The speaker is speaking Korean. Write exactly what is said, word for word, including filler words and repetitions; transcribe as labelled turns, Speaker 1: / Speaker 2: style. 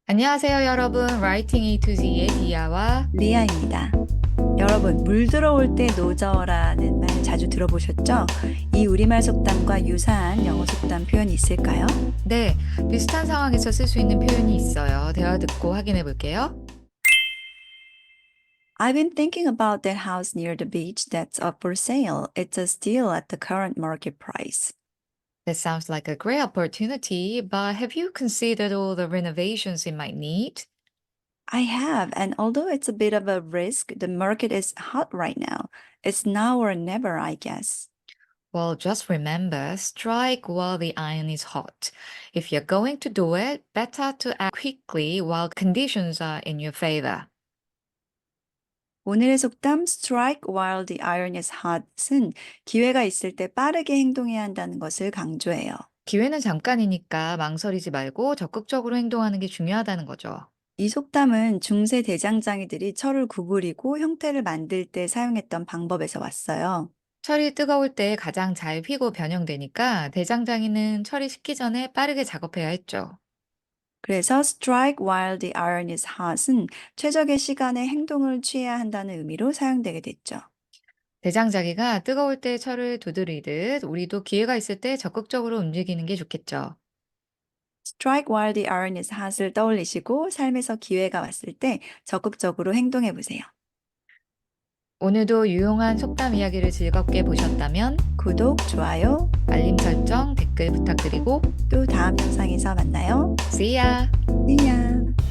Speaker 1: 안녕하세요, 여러분. Writing A to Z의 디아와
Speaker 2: 리아입니다. 여러분, 물 들어올 때 노저라는 말 자주 들어보셨죠? 이 우리말 속담과 유사한 영어 속담 표현이 있을까요?
Speaker 1: 네, 비슷한 상황에서 쓸 수 있는 표현이 있어요. 대화 듣고 확인해 볼게요.
Speaker 2: I've been thinking about that house near the beach that's up for sale. It's a steal at the current market price.
Speaker 1: That sounds like a great opportunity, but have you considered all the renovations it might need?
Speaker 2: I have, and although it's a bit of a risk, the market is hot right now. It's now or never, I guess.
Speaker 1: Well, just remember, strike while the iron is hot. If you're going to do it, better to act quickly while conditions are in your favor.
Speaker 2: 오늘의 속담 strike while the iron is hot은 기회가 있을 때 빠르게 행동해야 한다는 것을 강조해요.
Speaker 1: 기회는 잠깐이니까 망설이지 말고 적극적으로 행동하는 게 중요하다는 거죠.
Speaker 2: 이 속담은 중세 대장장이들이 철을 구부리고 형태를 만들 때 사용했던 방법에서 왔어요.
Speaker 1: 철이 뜨거울 때 가장 잘 휘고 변형되니까 대장장이는 철이 식기 전에 빠르게 작업해야 했죠.
Speaker 2: 그래서 strike while the iron is hot은 최적의 시간에 행동을 취해야 한다는 의미로 사용되게 됐죠.
Speaker 1: 대장장이가 뜨거울 때 철을 두드리듯 우리도 기회가 있을 때 적극적으로 움직이는 게 좋겠죠.
Speaker 2: strike while the iron is hot을 떠올리시고 삶에서 기회가 왔을 때 적극적으로 행동해 보세요.
Speaker 1: 오늘도 유용한 속담 이야기를 즐겁게 보셨다면
Speaker 2: 구독, 좋아요,
Speaker 1: 알림 설정, 댓글 부탁드리고
Speaker 2: 또 다음 영상에서 만나요.
Speaker 1: See ya!
Speaker 2: See ya!